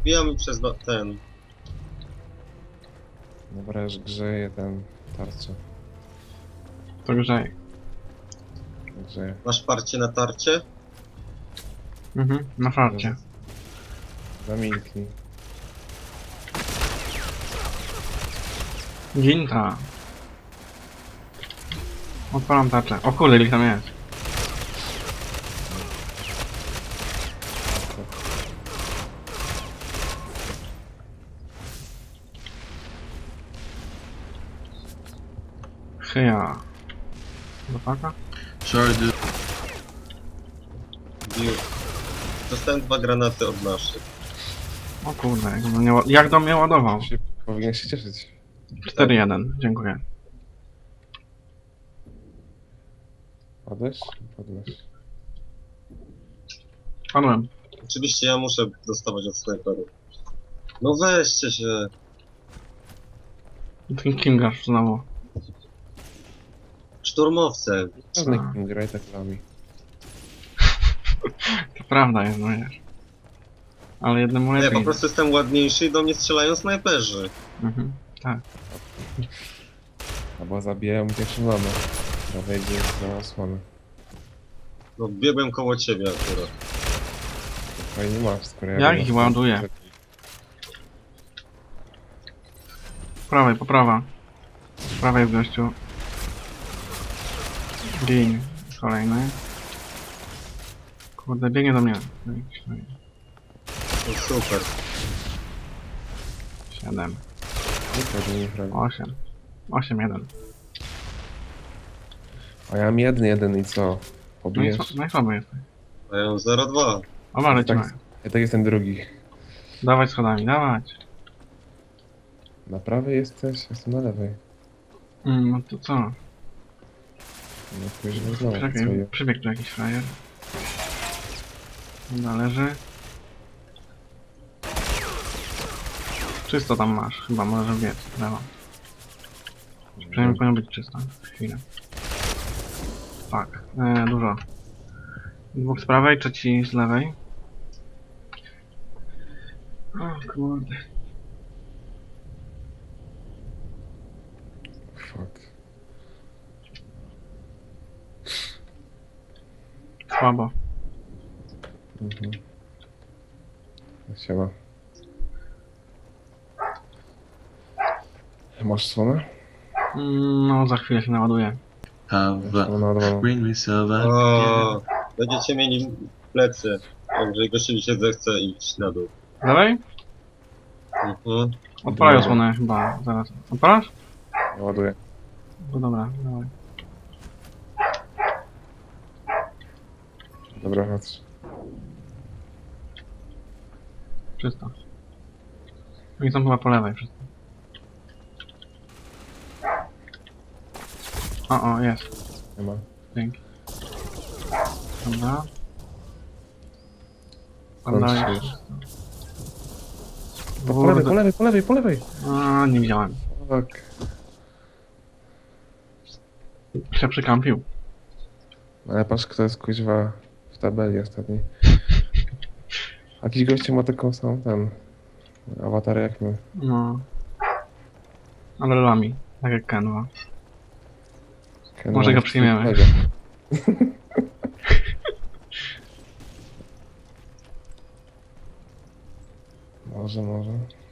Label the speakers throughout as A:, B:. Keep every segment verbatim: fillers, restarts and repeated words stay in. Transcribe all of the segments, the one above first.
A: Wbijamy przez do, ten.
B: Dobra, już grzeje ten tarczę.
C: To grzej.
B: Grzeje.
A: Masz parcie na tarcie?
C: Mhm, na farcie.
B: Zamilknij.
C: Ginta. Odpalam tarczę. O kurde, ile ich tam jest. Chyja. Do paka?
D: Sorry, dude.
A: Bił. Dostałem dwa granaty od naszych.
C: O kurde, jak do mnie, ła- jak do mnie ładował.
B: Się, powinien się cieszyć.
C: cztery jeden, dziękuję.
B: Padłeś? Padłeś.
C: Padłem.
A: Oczywiście ja muszę dostawać od snajperów. No weźcie się.
C: Ten Kingasz znowu.
A: Szturmowce.
B: Żadnych
C: A.
B: kim graj tak nami.
C: To prawda jest, no wiesz. Ale jednemu
A: Nie,
C: lepiej.
A: po prostu jestem ładniejszy i do mnie strzelają snajperzy.
C: Mhm, tak.
B: Albo zabijają pierwszym lomem. Która wejdzie za osłonę.
A: No biegłem koło ciebie akurat.
B: Fajnie masz, skoro ja...
C: Jak
B: bym-
C: ich ładuję? Po prawej, po prawa. Po prawej w gościu. Gin. Kolejny. Kurde, biegnie do mnie.
A: No super.
C: siedem.
B: Nie pewnie nie prawie.
C: osiem. osiem jeden.
B: A ja mam jeden, jeden i co?
C: No i,
B: Pobijesz?
C: sła- no i słabo jesteś.
A: A ja mam zero dwa.
C: Oba lecimy.
B: tak, ja tak jestem drugi.
C: Dawać schodami, dawać.
B: Na prawej jesteś? Jestem na lewej.
C: Mm, no to co?
B: No później znowu
C: Czekaj,
B: swoje.
C: przybiegł tu jakiś frajer. Należy. Czysto tam masz, chyba może biec, lewo. Przynajmniej powinno być czysto. Chwilę. Tak, e, dużo. Dwóch z prawej, trzeci z lewej. O kurde.
B: Fuck.
C: Słabo.
B: Mhm. Siema. Masz słonę?
C: Mm, no, za chwilę się naładuje.
D: Have
B: No, no, no.
D: bring me silver.
A: O, będziecie mieli plecy. Także gościowi się zechce iść na dół.
C: Lewej?
A: Mhm.
C: Odpalają
B: Dobra.
C: słonę chyba, zaraz. Odpalasz?
B: Ładuję.
C: No dobra, dawaj.
B: Dobra, chodź.
C: Czysto. Oni są chyba po lewej wszyscy. O, o, jest.
B: Nie ma.
C: Dzięki. Dobra.
B: Kończy
C: Dobra,
B: się.
C: jest.
B: Po lewej, po lewej, po lewej, po lewej!
C: A, nie widziałem.
B: Fuck.
C: Się przykampił.
B: Ale patrz, kto jest kuźwa w tabeli ostatniej. Jakiś gościu ma taką samą ten... awatar jak my.
C: No. Ale lami. Tak jak Kenwa.
B: Ken
C: Może
B: ma
C: go
B: coś
C: przyjmiemy.
B: pięknego. Może, może.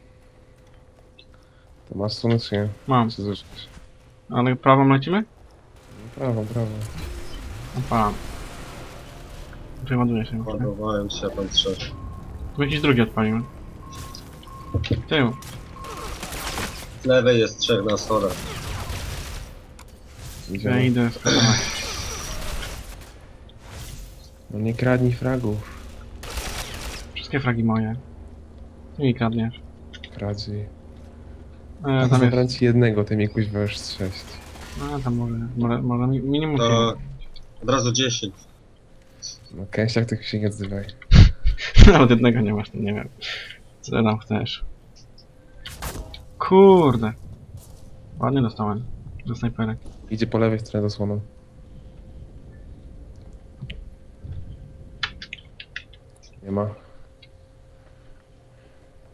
B: To masz słonę czy nie?
C: Mam.
B: Czy zużyć?
C: Ale prawą lecimy?
B: Brawo, brawo.
C: Odpalam. Przeładuje się.
A: Ładowałem się, tam trzech.
C: Tu jakiś drugi odpalimy. Tył.
A: Z lewej jest trzech na schodach.
C: Ja
B: Idziemy.
C: idę skatować.
B: No nie kradnij fragów.
C: Wszystkie fragi moje. Ty mi kradniesz.
B: Kradzi.
C: E, tam jest.
B: Zabrałem ci jednego, ty mi kuźwa już z sześć.
C: A tam może. Może, może mi- minimum
A: To
C: pięć.
A: od razu dziesięć.
B: No kęsiak tych się nie odzywaj.
C: Nawet jednego nie masz, to nie wiem. Co ty tam chcesz? Kurde. Ładnie dostałem. Do snajperek.
B: Idzie po lewej stronie zasłoną. Nie ma.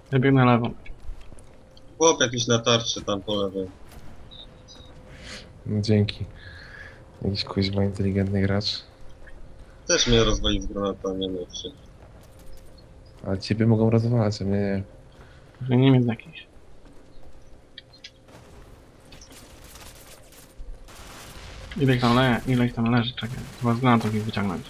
C: Ja biegnę lewą.
A: Chłop jakiś na tarczy tam po lewej.
B: No, dzięki. Jakiś kuźwa inteligentny gracz.
A: Też mnie rozwalił z granata, nie lepszy.
B: Ale ciebie mogą rozwalać, a mnie nie.
C: Że nie wiem jakiś. Ile ich tam le ile ich tam leży, czekaj. Chyba z granatów ich wyciągnąć.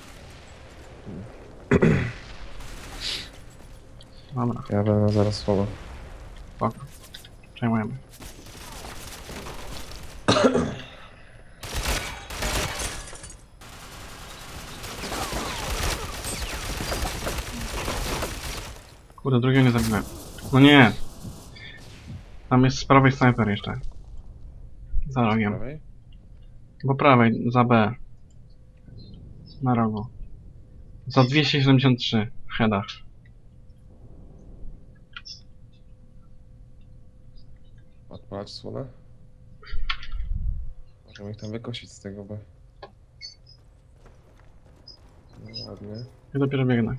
C: Dobra,
B: Ja będę zaraz słowo.
C: spoko. Przejmujemy. Kurde, drugiego nie zabiłem. No nie! Tam jest z prawej snajper jeszcze. Za rogiem.
B: Prawej?
C: Po prawej, za B. Na rogu. Za dwieście siedemdziesiąt trzy w headach.
B: Odpalać słonę? Możemy ich tam wykosić z tego, bo... No ładnie.
C: Ja dopiero biegnę.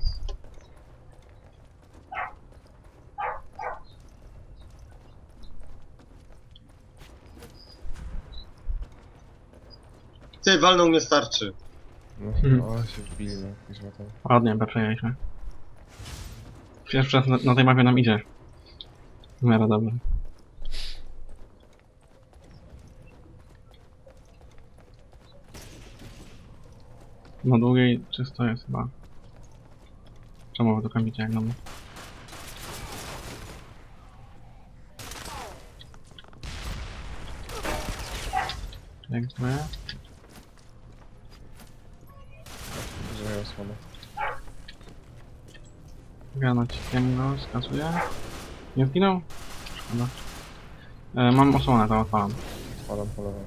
A: Ty, walnął mnie starczy.
B: No,
C: Mhm.
B: o, się wbili, no, kuźwa tam.
C: Ładnie, B przejęliśmy. Pierwszy raz na, na tej mapie nam idzie. W miarę dobrze. Na długiej czysto jest chyba. Czemu wy tu kampicie jak na mnie? Dziękuję.
B: Że mają słonę.
C: Granaciem go skasuję. Nie zginął? Szkoda. E, mam osłonę, to odpalam.
B: Odpalam po lewej.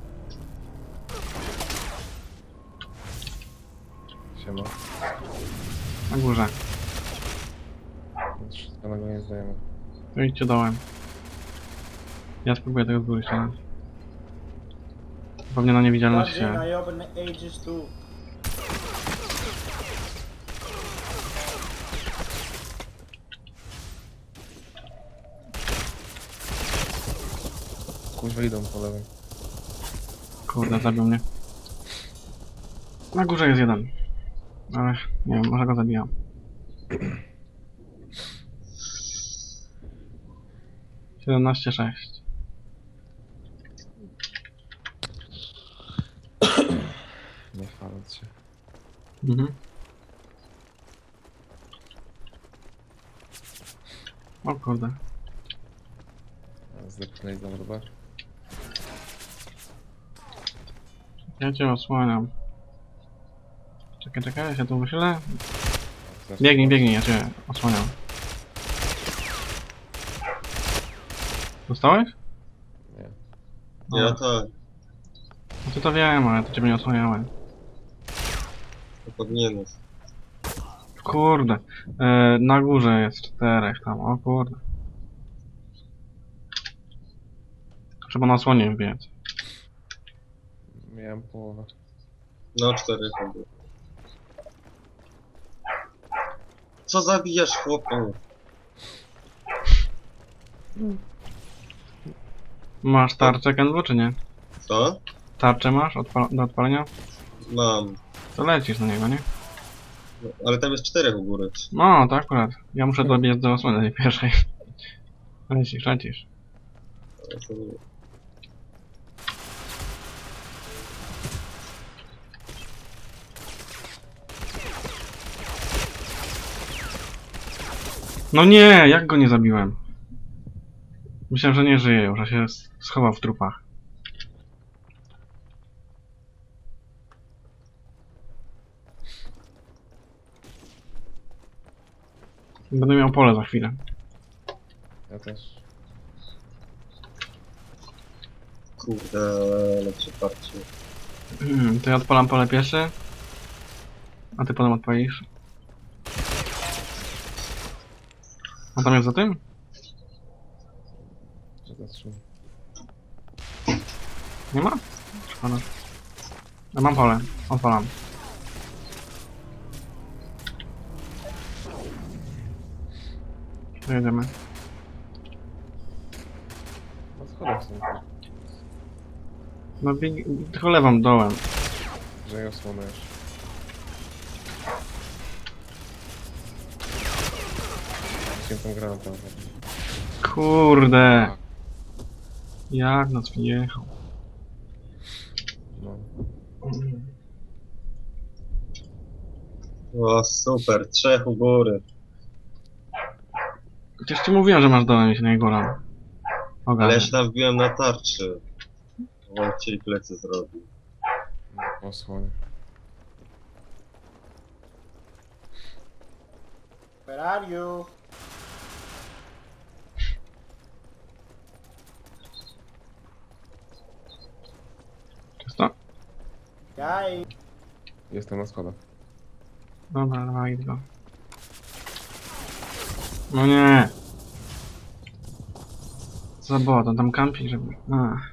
B: Siema.
C: Na górze.
B: Wszystko na go nie zdajemy.
C: To idźcie dołem. Ja spróbuję tego z góry ściągnąć. Pewnie na niewidzialność
E: Godzin,
C: się...
E: I open ages too.
B: Kuźwa idą po lewej.
C: Kurde, zabił mnie. Na górze jest jeden. Ale nie wiem, może go zabijam. siedemnaście sześć.
B: Nie chwaląc się.
C: Mhm. O kurde.
B: Zdepchnęli za mrówę.
C: Ja cię osłaniam. Czekaj, czekaj, ja się tu wychylę. Biegnij, biegnij, ja cię osłaniam. Dostałeś?
B: Nie.
A: Ja tak,
C: No ty to wiem, ale to ciebie nie osłaniałem.
A: to powinieneś.
C: Kurde. E, na górze jest czterech tam, o kurde. Trzeba na osłonie biec.
B: Miałem połowę.
A: No, cztery to było. Co zabijasz, chłopu?
C: Masz tarczę, Kenbu, czy nie?
A: Co?
C: Tarczę masz odpal do odpalenia?
A: Mam.
C: To lecisz na niego, nie?
A: No, ale tam jest czterech u góry.
C: No, to akurat. Ja muszę dobiec do osłony tej pierwszej. Lecisz, lecisz.
A: Ale to nie-
C: No nie, jak go nie zabiłem? Myślałem, że nie żyje już, a się s- schował w trupach. Będę miał pole za chwilę.
B: Ja też.
A: Kurde, lepsze parcie.
C: To ja odpalam pole pierwsze. A ty potem odpalisz. A tam jest za tym?
B: Że zatrzymam.
C: Nie ma? Szkoda. Ja mam pole, odpalam. To jedziemy.
B: Na schodach są.
C: No bieg... tylko lewą dołem.
B: Że ją osłonę już. Chciałem tą granatę.
C: Kurde. Jak nas wjechał.
B: No.
A: O, super, trzech u góry.
C: Przecież ci mówiłem, że masz dołem się na jego ram.
A: Ale
C: Ogarnę.
A: ja się tam wbiłem na tarczy. Bo on chcieli plecy zrobić.
B: No, osłonę.
E: Where are you?
C: Czysto?
E: Guy.
B: Jestem na schodach.
C: Dobra, dawaj go. No nie. Co było, to tam kampi, żeby... Ach.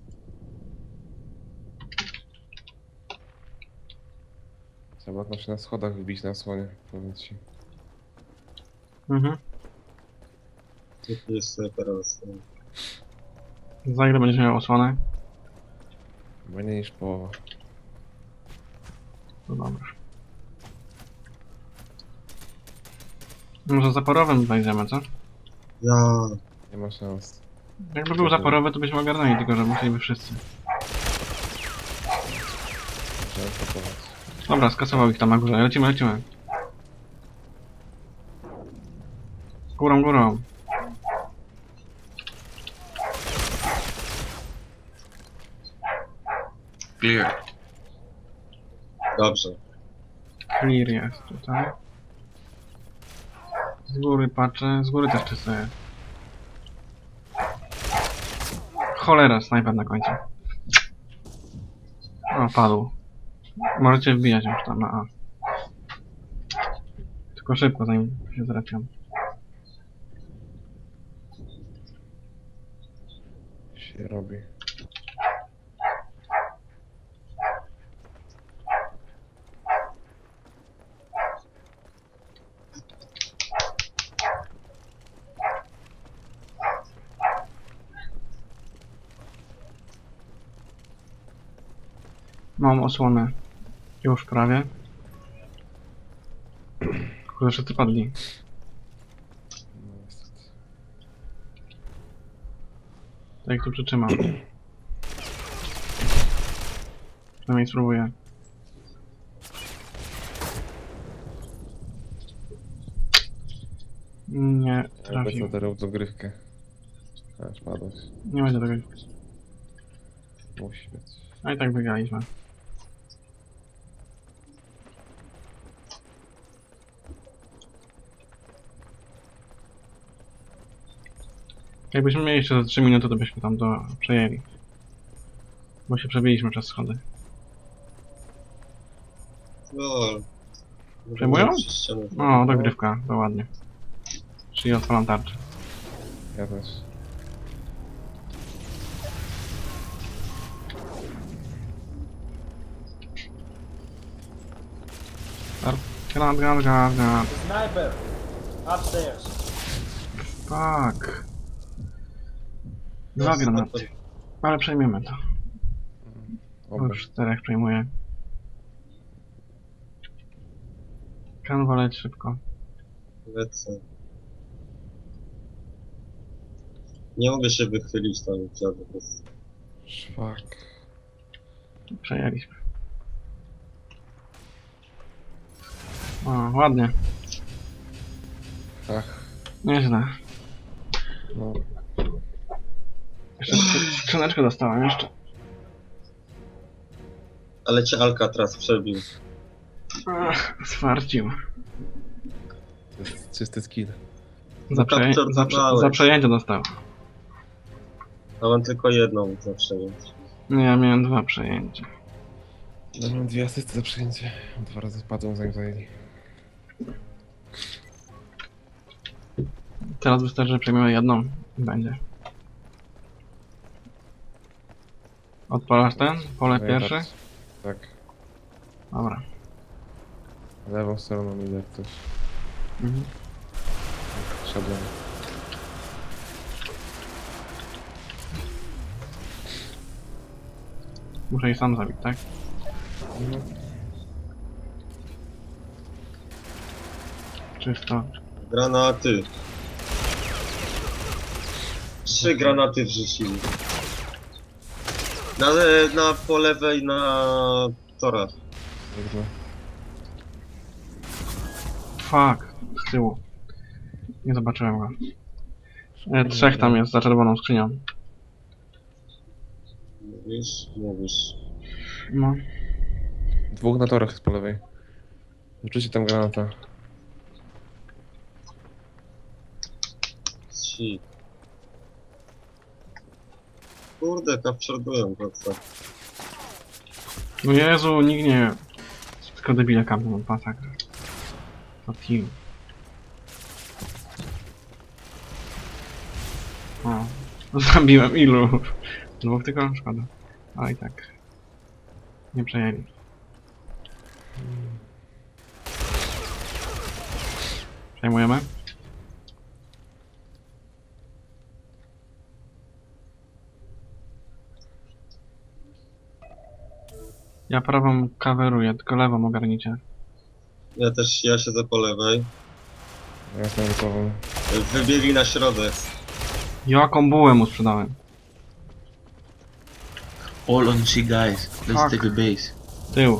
B: Trzeba tam się na schodach wbić na osłonie, powiem ci.
C: Mhm.
A: Tu jest teraz.
C: Za ile będziesz miał osłonę?
B: Mniej niż połowa.
C: No dobra. Może zaporowym wejdziemy, co?
A: Ja.
B: Nie ma szans.
C: Jakby był zaporowy, to byśmy ogarnęli, tylko że musieliby wszyscy.
B: Trzeba atakować.
C: Dobra, skasował ich tam na górze. Lecimy, lecimy. Górą, górą.
D: Clear.
A: Dobrze.
C: Clear jest tutaj. Z góry patrzę, z góry też czysto jest. Cholera, snajper na końcu. O, padł. Możecie wbijać już tam na A. Tylko szybko, zanim się zrepią.
B: Się robi.
C: Mam osłonę. Już prawie. Kurde, wszyscy padli.
B: No niestety.
C: Tak jak tu przytrzymam. Przynajmniej spróbuję. Nie
B: Jakby
C: trafił.
B: co darł dogrywkę. Aż padłeś.
C: Nie będzie tego.
B: Musi być.
C: A i tak wygraliśmy. Jakbyśmy mieli jeszcze za trzy minuty, to byśmy tam to przejęli. Bo się przebiliśmy przez schody.
A: No.
C: Przejmują?
A: Przez ścianę.
C: O, dogrywka, to ładnie. Czyli odpalam tarczę.
B: Ja też.
C: Granat, granat, granat, granat.
E: Sniper. Upstairs.
C: Tak. Dwa granaty. Ale przejmiemy to. Bo
B: Oba.
C: już czterech przejmuję. Kanwa leć szybko.
A: Lecę. Nie mogę się wychylić tam w żaden sposób.
B: Szwak.
C: Przejęliśmy. O, ładnie.
B: Ach.
C: Nieźle.
B: No.
C: Jeszcze skrzy- skrzyneczkę dostałem jeszcze.
A: Ale cię Alcatraz przebił.
C: Ach, swarcił.
B: To jest czysty skill.
C: Za, przeję za, prze
A: Kapturowałeś.
C: za przejęcie dostał.
A: A mam tylko jedną zawsze, więc.
C: Nie, ja miałem dwa przejęcia.
B: No, mam dwie asysty za przyjęcie. Dwa razy spadłem zanim zajęli.
C: Teraz wystarczy, że przejmiemy jedną i będzie. Odpalasz ten? Pole
B: No ja
C: pierwsze?
B: tak- Tak.
C: Dobra.
B: Lewą stroną idę jak ktoś.
C: Mhm.
B: Szedłem.
C: Muszę ich sam zabić, tak?
B: No.
C: Czysto.
A: Granaty. Trzy granaty wrzucili. Na, na po lewej na torach.
B: Dobra.
C: Fuck, z tyłu. Nie zobaczyłem go. E, trzech tam jest za czerwoną skrzynią.
A: Mówisz? Mówisz.
C: No.
B: Dwóch na torach z po lewej. Rzućcie tam granata.
A: Trzy. Kurde, kapczordują to co.
C: No Jezu, nikt nie... Tylko debile kampią od masakra. To team. O. Zabiłem ilu? Dwóch tylko? Szkoda. Ale i tak. Nie przejęli. Przejmujemy? Ja prawą coveruję, tylko lewą ogarnicie.
A: Ja też, ja siedzę po lewej.
B: Ja jestem gotową.
A: Wybiegli na środek.
C: Jaką bułę mu sprzedałem?
D: All on G, guys. Let's
C: Fuck.
D: take the base.
C: Tył.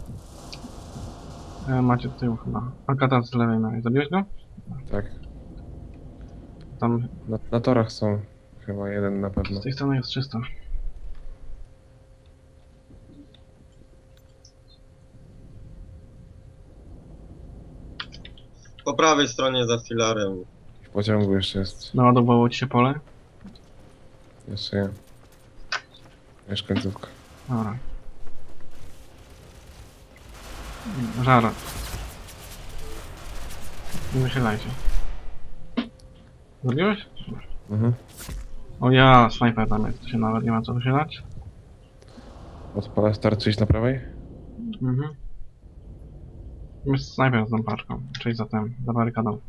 C: E, macie tył chyba. Alcatraz z lewej miałeś. Zabiłeś go?
B: Tak.
C: Tam
B: Na, na torach są. Chyba jeden na pewno.
C: z tej strony jest czysto.
A: Po prawej stronie za filarem.
B: W pociągu jeszcze jest.
C: Naładowało ci się pole?
B: Jeszcze nie. Już końcówka.
C: Dobra. Żara. Nie wychylajcie. Zrobiłeś?
B: Mhm.
C: O ja, snajper tam jest, to się nawet nie ma co wychylać.
B: Odpalać tarczy iść na prawej?
C: Mhm. Jest snajper z tą paczką, czyli za tym, za barykadą.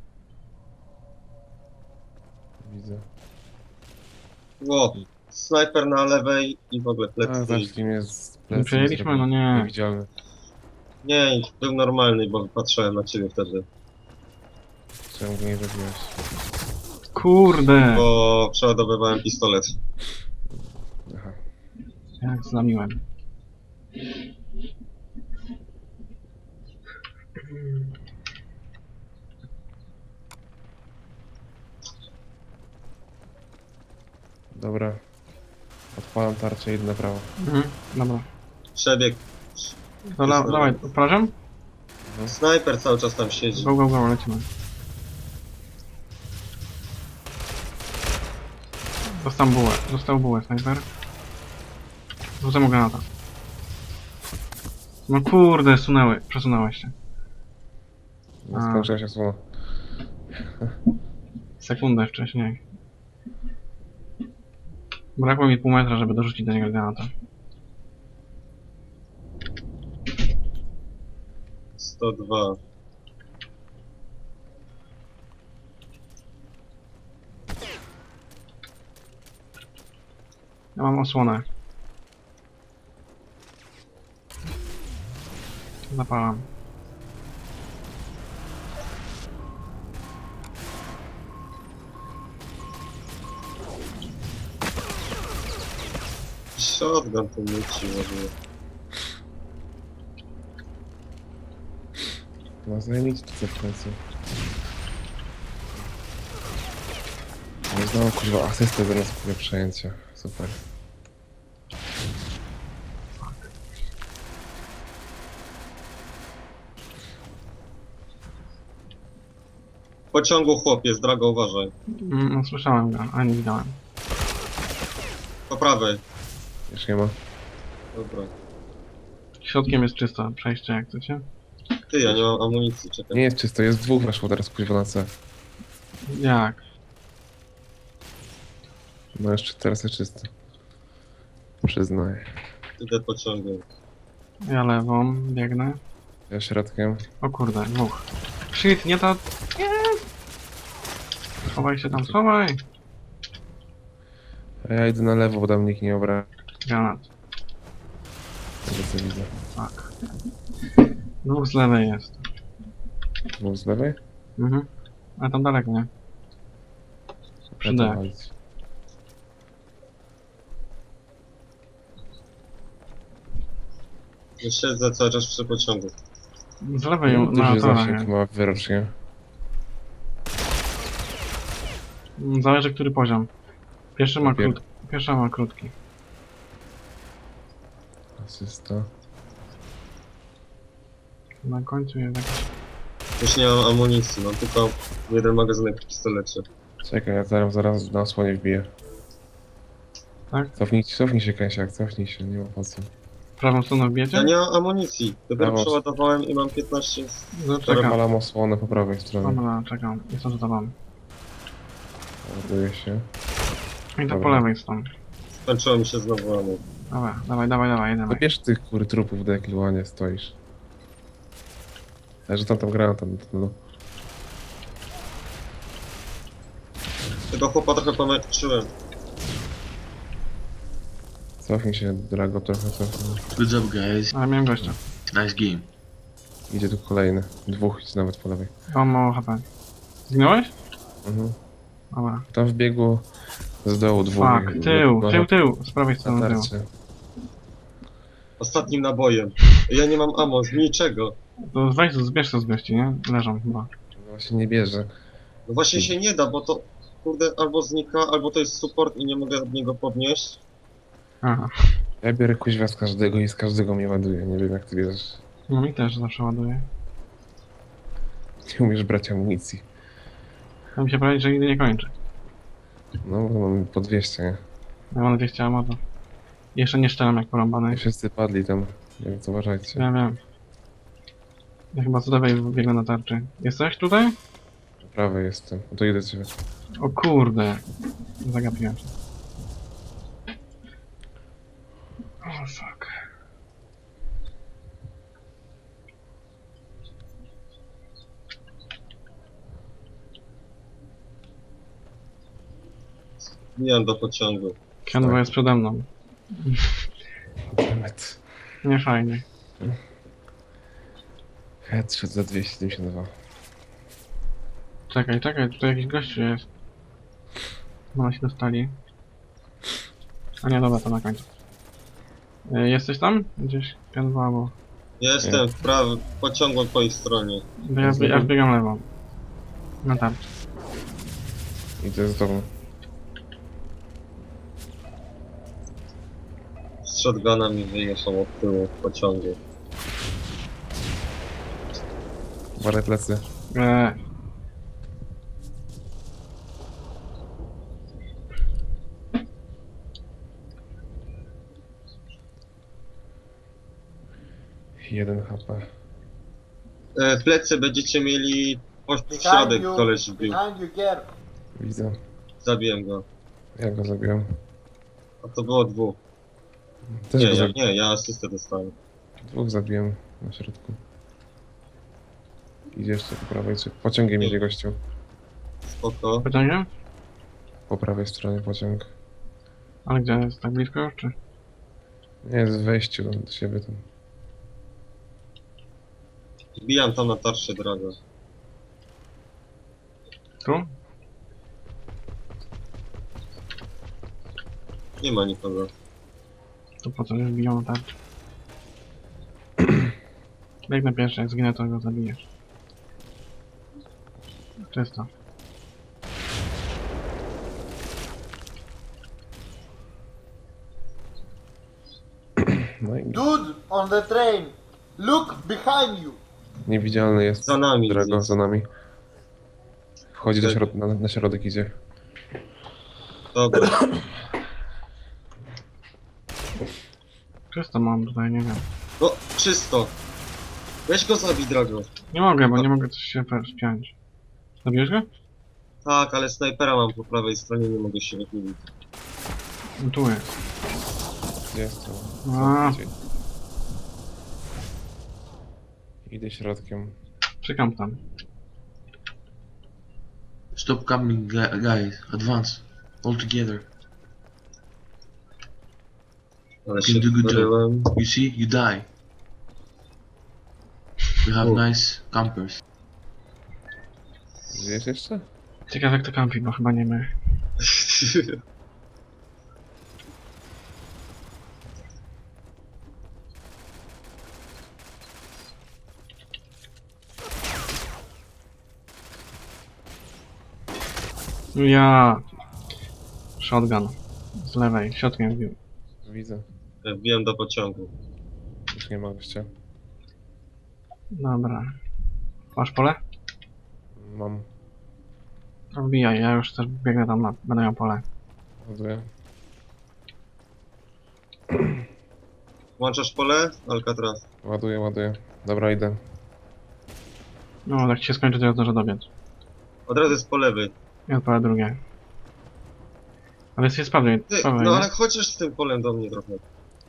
B: Widzę.
A: Ło, snajper na lewej i w ogóle
B: A,
A: plecy.
B: zacznij mnie z
C: Nie
B: plecy.
C: przejęliśmy? No nie.
B: Niewidzialny.
A: Nie, był normalny, bo patrzyłem na ciebie wtedy.
B: Czemu go nie zabiłeś?
C: Kurde!
A: Bo przeładowywałem pistolet.
B: Aha.
C: Jak zlamiłem.
B: Dobra. Odpalam tarczę i idę na prawo.
C: Mhm, dobra.
A: Przebieg.
C: To la, dawaj, odprażam?
A: Snajper cały czas tam siedzi.
C: Go, go, go, lecimy. Dostał bułę, dostał bułę, snajper. Rzucę mu granata. No kurde, sunęły, przesunąłeś się.
B: No,
C: A.
B: skończyła się słona.
C: Sekundę wcześniej. Brakło mi pół metra, żeby dorzucić do niego granata.
A: sto dwa.
C: Ja mam osłonę. Zapalam.
A: Shotgun tu myci ładnie.
B: No zajmijcie to w końcu. No znowu kurwa asystę zamiast kurwa przejęcia. Super.
A: W pociągu chłopiec, Drago, uważaj.
C: Mm, no, słyszałem go, ale nie widziałem.
A: Po prawej.
B: Już nie ma.
A: Dobra.
C: Środkiem jest czysto, przejście jak chcecie.
A: Ty, ja nie mam amunicji, czekaj.
B: Nie jest czysto, jest dwóch weszło teraz kurwa na C.
C: Jak?
B: No jeszcze teraz jest czysto. Przyznaję.
A: Idę pociągiem.
C: Ja lewą biegnę.
B: Ja środkiem.
C: O kurde, dwóch. Shit, nie to... Nie! Schowaj się tam, schowaj!
B: A ja idę na lewo, bo tam nikt nie obra.
C: Granat.
B: plecy widzę.
C: Tak. Dwóch z lewej jest.
B: Dwóch z lewej?
C: Mhm. A tam daleko, nie? Przy
B: Ja to
C: D.
B: walić.
A: Ja siedzę cały czas przy pociągu.
C: Z lewej ją na
B: Duży
C: torach
B: zasięg
C: jest.
B: ma wyrocznie.
C: Mm, Zależy który poziom. Pierwszy ma,
B: Papier.
C: krót... Pierwsza ma krótki.
B: Asysta.
C: Na końcu jest jakiś...
A: Już nie mam amunicji, mam tylko jeden magazynek w pistolecie.
B: Czekaj, ja zaraz, zaraz na osłonie wbiję.
C: Tak?
B: Cofnij, cofnij się, Kęsiak, cofnij się, nie ma po co.
C: Prawą stroną wbijecie?
A: Ja nie mam amunicji. Dopiero
B: Brawo.
A: przeładowałem i mam piętnaście... z-
B: Teraz
C: Zaczekam.
B: malam osłonę po prawej stronie.
C: Dobra, czekam. Jestem za tobą.
B: Ładuje się.
C: I to po
B: Dobra.
C: lewej stąd.
A: Skończyło mi się znowu ammo.
C: Dobra, dawaj, dawaj, dawaj, jedziemy.
B: No bierz tych kur trupów do jakiego łanie stoisz. Ja że tam tam grałem tam, no.
A: Tego chłopa trochę pomęczyłem.
B: Cofnij się, Drago, trochę cofnij.
D: Good job, guys.
C: Ale miałem gościa.
D: Nice game.
B: Idzie tu kolejny. Dwóch idź nawet po lewej.
C: Mam mało H P. Zginąłeś?
B: Mhm.
C: Dobra.
B: Tam wbiegło z dołu dwóch.
C: Fuck, tył,
B: No,
C: tył, tył. Z prawej
B: na
C: strony tył.
B: tarczy.
A: Ostatnim nabojem. Ja nie mam ammo, z niczego.
C: To weź, zbierz to z gości, nie? Leżą chyba.
B: No właśnie nie bierze.
A: No właśnie się nie da, bo to kurde albo znika, albo to jest support i nie mogę od niego podnieść.
C: Aha.
B: Ja biorę kuźwa z każdego i z każdego mnie ładuje. Nie wiem jak ty bierzesz.
C: No mi też zawsze ładuje.
B: Nie umiesz brać amunicji.
C: A mi się prawie, że nigdy nie kończy.
B: No bo mamy po dwieście, nie?
C: Ja mam dwieście ammo to... Jeszcze nie szczelam jak porąbany.
B: I wszyscy padli tam. Więc uważajcie.
C: Wiem, wiem. Ja chyba z lewej biegnę na tarczy. Jesteś tutaj?
B: Po prawej jestem. No to idę cię.
C: O kurde. Zagapiłem się. O fuck.
A: Wbijam do pociągu.
C: Kianowa jest przede mną.
B: Demet.
C: Nie fajnie.
B: Headshot za dwieście siedemdziesiąt dwa.
C: Czekaj, czekaj, tutaj jakiś gościu jest. Chyba się dostali. A nie, dobra, to na końcu. E, Jesteś tam? Gdzieś? Pianwa albo...
A: Ja jestem w prawym pociągu po ich stronie.
C: Bo ja, ja wbiegam lewą. Na tarczy.
B: Idę z tobą.
A: Z shotguna mi wyjechał od tyłu w pociągu.
B: Uważaj plecy.
C: Eee.
B: jeden H P.
A: E, w plecy będziecie mieli po w
E: Behind
A: środek
E: you.
A: koleś wbił.
E: Behind you, Gerd.
B: Widzę.
A: Zabiłem go.
B: Ja go zabiłem.
A: A to było dwóch.
B: Też
A: Nie,
B: go
A: ja,
B: zabiłem.
A: nie, ja asystę dostałem.
B: Dwóch zabiłem na środku. Idzie jeszcze po prawej, czy pociągiem idzie gościu.
A: Spoko.
C: Pociągiem?
B: Po prawej stronie pociąg.
C: Ale gdzie jest? Tak blisko już, czy?
B: Nie, jest w wejściu do do siebie tam.
A: Wbijam tam na tarczę drogę.
C: Tu?
A: Nie ma nikogo.
C: To po co już biją na tarczy? Biegnę pierwszy, jak zginę to go zabijesz. Czysto.
B: No i
E: Dude, on the train. Look behind you.
B: niewidzialny jest.
A: Za nami
B: Drago,
A: jest.
B: za nami. Wchodzi do
A: Tak.
B: środ na, na środek idzie.
A: Dobra.
C: Czysto mam tutaj, nie wiem.
A: No, czysto. Weź go zabij, Drago.
C: Nie mogę, bo nie mogę coś się wspiąć. Zabiłeś go?
A: Tak, ale snajpera mam po prawej stronie, nie mogę się wychylić.
C: No tu jest.
B: Gdzie jest to?
C: A.
B: Gdzie? Idę środkiem.
C: Czekam tam.
D: Stop coming, gu- guys. Advance. All together.
A: Ale
D: Can
A: się
D: do good job.
A: wparyłem.
D: You see, you die. We have
A: Oh.
D: nice campers.
B: Żyjesz jeszcze?
C: Ciekawe jak to kampi, bo chyba nie my. Ja. Shotgun. Z lewej, środkiem wbił.
B: Widzę.
A: Wbiłem do pociągu.
B: Już nie ma gościa.
C: Dobra. Masz pole?
B: Mam.
C: To wbijaj, ja już też biegnę tam na, będę miał pole.
B: Ładuję.
A: Włączasz pole? Alcatraz.
B: Ładuję, ładuję. Dobra, idę.
C: No, jak ci się skończy, to ja zdążę dobiec.
A: Od razu jest po lewej.
C: I odpalę drugie. Ale jest jest prawej,
A: Ty,
C: prawej,
A: no
C: nie?
A: ale chociaż z tym polem do mnie trochę.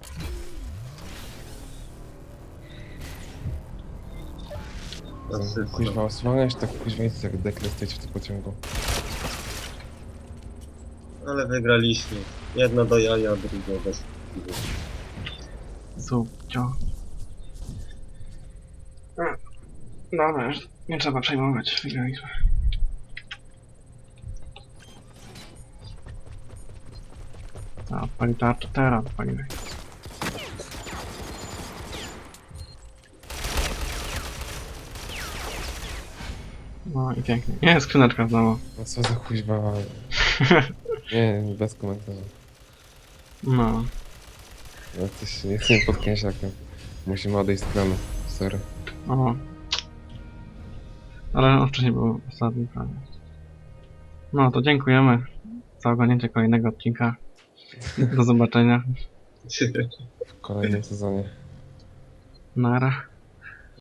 A: Asysta.
B: Kuźwa, osłaniasz tak kuźwa jest jak dekret stać w tym pociągu.
A: Ale wygraliśmy. Jedna do jaja, druga bez.
C: Subcio. A, Dobra, już nie trzeba przejmować, wygraliśmy. A, odpali tarczę, teraz odpalimy. No i pięknie. Nie, skrzyneczka znowu.
B: No co za kuźwa. Nie, bez komentarza.
C: No.
B: No coś, jestem pod kęsiakiem. Musimy odejść z planu. Sorry.
C: O. Ale on wcześniej był ostatni prawie. No to dziękujemy za oglądnięcie kolejnego odcinka. Do zobaczenia.
B: W kolejnym sezonie.
C: Nara.